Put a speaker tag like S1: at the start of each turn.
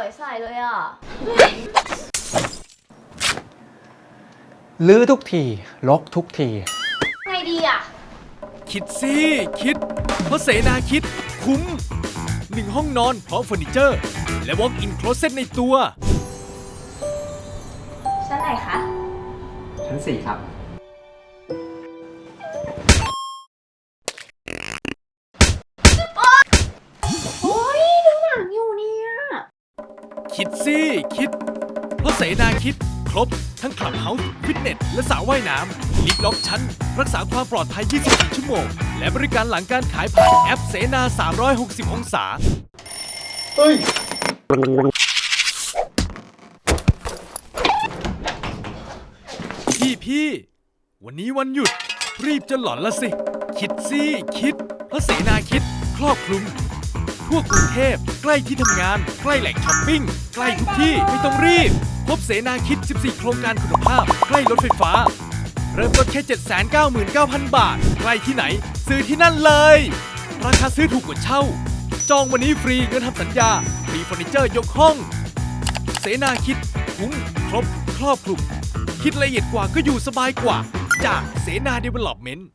S1: วยใส่เลยอ่ะ
S2: ลื้อทุกทีรกทุกที
S1: ไงดีอ่ะ
S3: คิดสิคิด เพราะเสนาคิดคุ้ม1 ห้องนอนพร้อมเฟอร์นิเจอร์ และ walk-in closet ในตัว
S1: ชั้นไหนคะ
S2: ชั้น 4 ครับ
S1: โอ้ยดูหนังอยู่เนี่ย
S3: คิดสิคิด เพราะเสนาคิดครบทั้งคลับเฮาส์ฟิตเนสและสระว่ายน้ำลิฟต์ล็อกชั้น รักษาความปลอดภัย 24 ชั่วโมง และบริการหลังการขายผ่านแอปเสนา 360 องศา
S2: เฮ้ย
S3: พี่วันนี้วันหยุด รีบจะหลอนละสิ คิดสิคิด เพราะเสนาคิดครอบคลุม ทั่วกรุงเทพใกล้ที่ทำงาน ใกล้แหล่งช้อปปิ้ง ใกล้ทุกที่ไม่ต้องรีบ พบเสนาคิด 14 โครงการคุณภาพ ใกล้รถไฟฟ้า เริ่มต้นแค่ 799,000 บาท ใกล้ที่ไหน ซื้อที่นั่นเลย ราคาซื้อถูกกว่าเช่า จองวันนี้ฟรีเงินทำสัญญา ฟรีเฟอร์นิเจอร์ยกห้อง เสนาคิดคุ้มครบครอบคลุม คิดละเอียดกว่าก็อยู่สบายกว่า จากเสนา Development